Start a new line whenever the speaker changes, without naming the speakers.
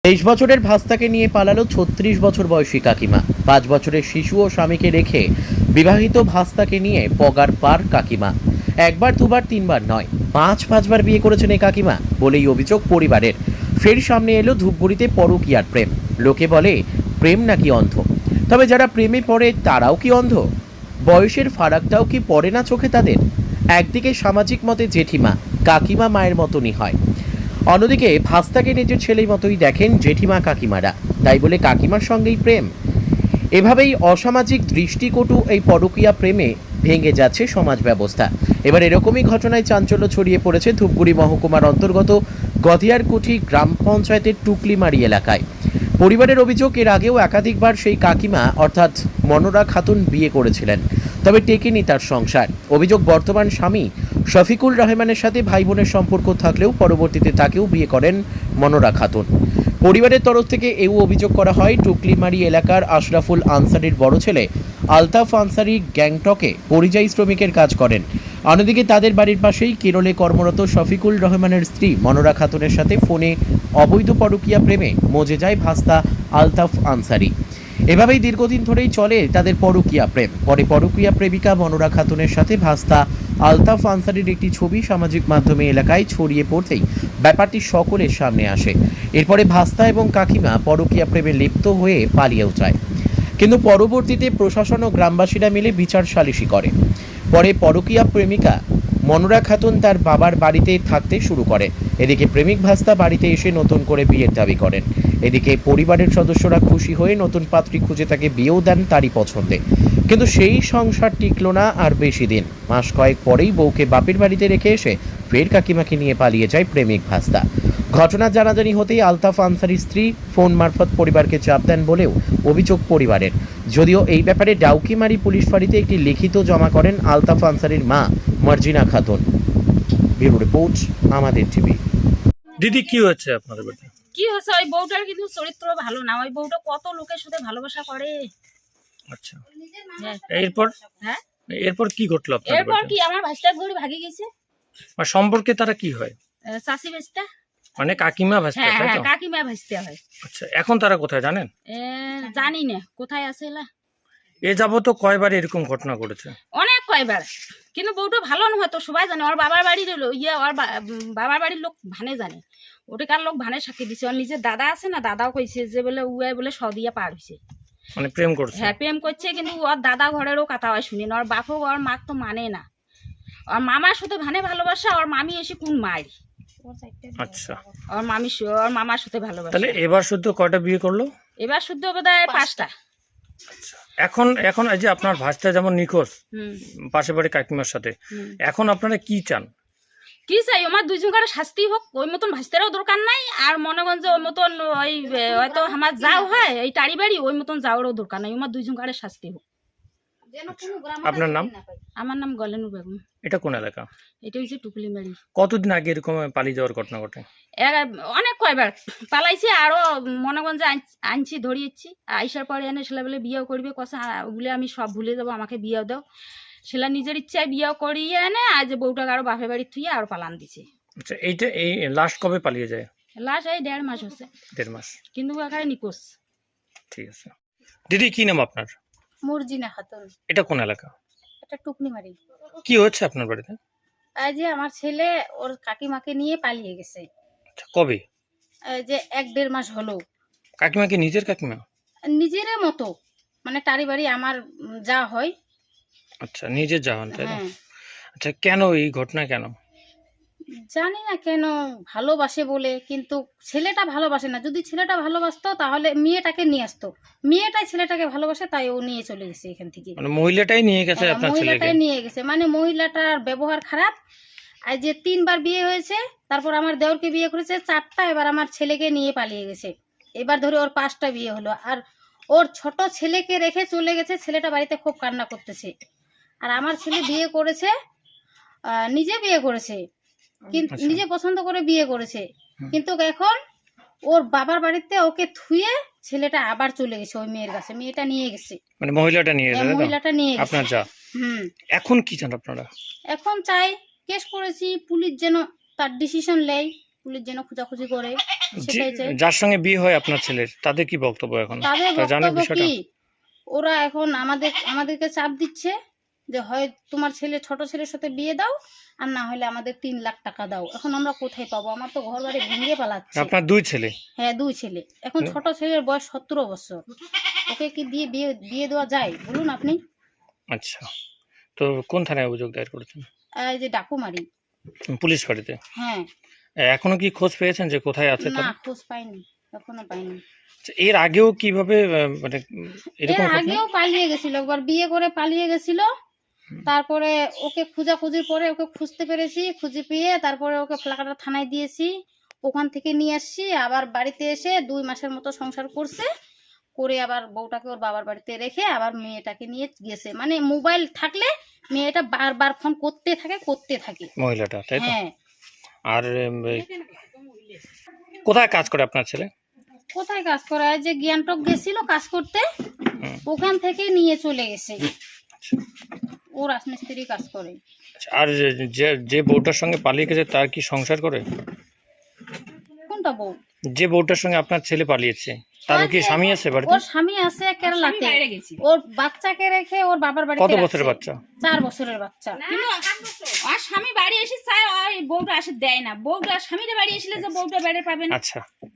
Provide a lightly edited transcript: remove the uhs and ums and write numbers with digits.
23 বছরের ভাস্তাকে নিয়ে পালালো 36 বছর বয়সী কাকিমা। 5 বছরের শিশু ও স্বামীকে রেখে বিবাহিত ভাস্তাকে নিয়ে পগার পার কাকিমা। একবার দুবার তিনবার নয়, 5-5বার বিয়ে করেছেন এই কাকিমা বলেই অভিযোগ পরিবারের। ফের সামনে এলো ধূপগুড়িতে পরকীয়ার প্রেম। লোকে বলে প্রেম নাকি অন্ধ, তবে যারা প্রেমে পড়ে তারাও কি অন্ধ? বয়সের ফারাকটাও কি পড়ে না চোখে তাদের? একদিকে সামাজিক মতে জেঠিমা, কাকিমা মায়ের মতনই হয়, অন্যদিকে ভাস্তাকে নিজের ছেলের মতোই দেখেন জেঠিমা কাকিমারা, তাই বলে কাকিমার সঙ্গেই প্রেম। এভাবেই অসামাজিক দৃষ্টিকটু এই পরকীয়া প্রেমে ভেঙে যাচ্ছে সমাজ ব্যবস্থা। এবার এরকমই ঘটনায় চাঞ্চল্য ছড়িয়ে পড়েছে ধূপগুড়ি মহকুমার অন্তর্গত গদিয়ারকুঠি গ্রাম পঞ্চায়েতের টুকলিমারি এলাকায়। পরিবারের অভিযোগ, এর আগেও একাধিকবার সেই কাকিমা অর্থাৎ মনোরা খাতুন বিয়ে করেছিলেন, তবে টেকেনি তার সংসার। অভিযোগ, বর্তমান স্বামী শফিকুল রহমানের সাথে ভাই বোনের সম্পর্ক থাকলেও পরবর্তীতে তাকেও বিয়ে করেন মনোরা খাতুন। পরিবারের তরফ থেকে এও অভিযোগ করা হয়, টুকলিমারি এলাকার আশরাফুল আনসারির বড় ছেলে আলতাফ আনসারি গ্যাংটকে পরিযায়ী শ্রমিকের কাজ করেন। অন্যদিকে তাদের বাড়ির পাশেই কেরলে কর্মরত শফিকুল রহমানের স্ত্রী মনোরা খাতুনের সাথে ফোনে অবৈধ পরকীয়া প্রেমে মজে যায় ভাস্তা আলতাফ আনসারি। এভাবেই দীর্ঘদিন ধরেই চলে তাদের পরকীয়া প্রেম। পরে পরকীয়া প্রেমিকা মনোরা খাতুনের সাথে ভাস্তা আলতাফ আনসারির একটি ছবি সামাজিক মাধ্যমে এলাকায় ছড়িয়ে পড়তেই ব্যাপারটি সকলের সামনে আসে। এরপরে ভাস্তা এবং কাকিমা পরকীয়া প্রেমে লিপ্ত হয়ে পালিয়েও যায়, কিন্তু পরবর্তীতে প্রশাসন ও গ্রামবাসীরা মিলে বিচার সালিশি করে। পরে পরকীয়া প্রেমিকা মনোরা খাতুন তার বাবার বাড়িতে থাকতে শুরু করে। এদিকে প্রেমিক ভাস্তা বাড়িতে এসে নতুন করে বিয়ের দাবি করেন। এদিকে পরিবারের সদস্যরা খুশি হয়ে নতুন পাত্রী খুঁজে তাকে বিয়েও দেন তারই পছন্দে, কিন্তু সেই সংসার টিকল না আর বেশি দিন। মাস কয়েক পরেই বউকে বাপের বাড়িতে রেখে এসে ফের কাকিমাকে নিয়ে পালিয়ে যায় প্রেমিক ভাস্তা। ঘটনা জানাজানি হতেই আলতাফ আনসারির স্ত্রী ফোন মারফত পরিবারকে চাপ দেন বলেও অভিযোগ পরিবারের। যদিও এই ব্যাপারে ডাউকিমারি পুলিশ ফাঁড়িতে একটি লিখিত জমা করেন আলতাফ আনসারির মা মার্জিনা খাতুন। ব্যুরো রিপোর্ট, আমাদের টিভি।
দিদি, কি হচ্ছে আপনাদের বাড়িতে?
কি হচ্ছে, ওই বউটার কিন্তু চরিত্র ভালো না। ওই বউটা কত লোকের সাথে ভালোবাসা করে।
আচ্ছা,
হ্যাঁ।
এরপর
হ্যাঁ,
এরপর কি ঘটলো আপনাদের
এরপর
বাড়িতে?
কি আমার ভাইস্তার ঘড়ি ভাগি গেছে।
আর সম্পর্কে তারা কি হয়?
চাষি ভাইস্তা।
মানে কাকিমা ভাস্তা,
হ্যাঁ
তাই
হ্যাঁ,
তো?
কাকিমা ভাইস্তা হয়।
আচ্ছা, এখন তারা কোথায় জানেন?
জানি না কোথায় আছে এলা।
এ যাবত কয়বার এরকম ঘটনা ঘটেছে?
অনেক কয়বার, কিন্তু বউটা ভালো নয় তো সবাই জানে। ওর বাবার বাড়ির ওর বাবার বাড়ির লোক ভানে জানে। ওটাকার লোক ভানে সাক্ষী দিছে। ওর নিজের দাদা আছে না, দাদাও কইছে যে বলে উয়াই বলে সদিয়া পার হয়েছে।
মানে প্রেম করছে?
হ্যাঁ, প্রেম করছে, কিন্তু ওর দাদা ঘরেরও কথা হয় শুনি না। ওর বাপও ওর মা তো মানে না। ওর মামার সাথে ভানে ভালোবাসা, ওর মামি এসে কোন মাই।
আচ্ছা,
ওর ওর মামার সাথে ভালোবাসা।
তাহলে এবার শুদ্ধ কয়টা বিয়ে করলো?
এবার শুদ্ধ বোধহয় 5টা।
আচ্ছা, এখন এখন এই যে আপনার ভাস্তা যেমন নিখোঁজ
হুম
পাশে বাড়ি কাকিমার সাথে,
হুম।
এখন আপনারা কি চান?
কি চাই, আমার দুইজনকার শাস্তি হোক। ওই মতন ভাস্তারও দরকার নাই, আর মনে করেন যে ওই মতন ওই হয়তো আমার যাও হয় এই টাড়ি বাড়ি, ওই মতন যাওয়ারও দরকার নাই। আমার দুইজনকার শাস্তি হোক।
আপনার নাম?
আমার নাম গলেনু বেগম।
এটা কোন এলাকা?
এটা হচ্ছে টুকলিমারি।
কতদিন আগে এরকম পালিয়ে যাওয়ার ঘটনা ঘটে?
অনেক কয়বার পালাইছে, আরো মনে করেন যে আনছি ধরিয়েছি। আইসার পরে এনে সেলা বলে বিয়েও করবে কষা, ওগুলো আমি সব ভুলে যাবো, আমাকে বিয়েও দাও। সেলা নিজের ইচ্ছায় বিয়েও করিয়ে এনে আজ বউটাকে আরো বাপের বাড়ির থুয়ে আরো পালান দিছে।
আচ্ছা, এইটা এই লাস্ট কবে পালিয়ে যায়?
লাস্ট এই 1.5 মাস হচ্ছে,
1.5 মাস।
কিন্তু এখানে নিকোষ।
ঠিক আছে। দিদি, কি নাম আপনার?
মর্জিনা খাতুন।
এটা কোন এলাকা?
এটা টুকনিমারি।
কি হচ্ছে আপনার বাড়িতে?
এই যে আমার ছেলে ওর কাকিমাকে নিয়ে পালিয়ে গেছে।
আচ্ছা, কবে?
এই যে 1-1.5 মাস হলো।
কাকিমা কি নিজের কাকিমা?
নিজের মতো, মানে টারি বাড়ি আমার যা হয়।
আচ্ছা, নিজের জাহান, তাই না?
হ্যাঁ,
আচ্ছা, কেন এই ঘটনা কেন?
জানি না কেন, ভালোবাসে বলে। কিন্তু ছেলেটা ভালোবাসে না। যদি ছেলেটা ভালোবাসতো তাহলে মেয়েটাকে নিয়ে আসতো। মেয়েটাই ছেলেটাকে ভালোবাসে, তাই ও নিয়ে চলে গেছে এখান থেকে।
মানে মহিলাটাই নিয়ে গেছে
হ্যাঁ,
আপনার ছেলেকে?
মহিলাটাই নিয়ে গেছে। মানে মহিলাটার ব্যবহার খারাপ। আর যে 3বার বিয়ে হয়েছে, তারপর আমার দেওরকে বিয়ে করেছে 4টা, এবার আমার ছেলেকে নিয়ে পালিয়ে গেছে। এবার ধরে ওর 5টা বিয়ে হলো। আর ওর ছোট ছেলেকে রেখে চলে গেছে। ছেলেটা বাড়িতে খুব কান্না করতেছে। আর আমার ছেলে বিয়ে করেছে, নিজে বিয়ে করেছে, কিন্তু
আচ্ছা।
নিজে পছন্দ করে বিয়ে করেছে। কিন্তু এখন ওর বাবার বাড়িতে ওকে থুয়ে ছেলেটা আবার চলে গেছে ওই মেয়ের কাছে। মেয়েটা নিয়ে গেছে,
মানে মহিলাটা নিয়ে গেছে, তাই তো?
মহিলাটা নিয়ে গেছে
আপনার যা। এখন কি চান আপনারা?
এখন চাই, কেস করেছি, পুলিশ যেন তার ডিসিশন নেয়, পুলিশ যেন খোঁজাখুঁজি করে। সেটাই চাই।
যার সঙ্গে বিয়ে হয় আপনার ছেলের, তাদের কি বক্তব্য এখন?
তাদের
তা জানেন
বক্তব্য
বিষয়টা?
কি, ওরা এখন আমাদেরকে চাপ দিচ্ছে যে হয় তোমার ছোট ছেলের সাথে বিয়ে দাও, আর না হলে আমাদের 3 লাখ টাকা দাও। এখন আমরা কোথায় পাবো? আমার তো ঘর বাড়ি ভেঙে পালাচ্ছে।
আপনার 2 ছেলে?
হ্যাঁ, 2 ছেলে। এখন ছোট ছেলের বয়স 17 বছর, ওকে কি বিয়ে দেওয়া যায় বলুন আপনি?
আচ্ছা, তো কোন থানায় অভিযোগ দায়ের করেছেন?
এই যে ডাকুমারি।
পুলিশ ফাঁড়িতে?
হ্যাঁ।
এখনো কি খোঁজ পেয়েছেন যে কোথায় আছে
না,
তারা?
খোঁজ পাইনি, এখনো পাইনি।
আচ্ছা, এর আগেও কিভাবে মানে
এর
এরকম ঘটনা?
আগেও পালিয়ে গেছিল, একবার বিয়ে করে পালিয়ে গেছিল। তারপরে ওকে খোঁজাখুঁজির পরে ওকে খুঁজতে পেরেছি, খুঁজে পেয়ে তারপরে ওকে ফ্লাকাটা থানায় দিয়েছি, ওখান থেকে নিয়ে আসছি। আবার বাড়িতে এসে 2 মাসের মতো সংসার করছে, করে আবার বউটাকে ওর বাবার বাড়িতে রেখে আবার মেয়েটাকে নিয়ে গেছে। মানে মোবাইল থাকলে মেয়েটা বারবার ফোন করতে থাকে।
মহিলাটা, তাই তো?
হ্যাঁ।
আর কোথায় কাজ করে আপনার ছেলে?
কোথায় কাজ করে? এই যে জ্ঞানটক গেছিল কাজ করতে, ওখান থেকে নিয়ে চলে গেছে। ও রাজমিস্ত্রি কাজ করে।
আচ্ছা, আর যে বউটার সঙ্গে পালিয়ে গেছে তার কি সংসার করে?
কোনটা বউ?
যে বউটার সঙ্গে আপনার ছেলে পালিয়েছে তার কি স্বামী আছে বাড়িতে?
ওর স্বামী আছে কেরালাতে, ওর বাচ্চাকে রেখে ওর বাবার বাড়িতে।
কত বছরের বাচ্চা?
4 বছরের বাচ্চা।
কিন্তু আর স্বামী বাড়ি এসে চায় ওই বউটা আসে দেয় না, বউটা স্বামীরা বাড়ি এসলে যে বউটা বেড়ে পাবে না।
আচ্ছা,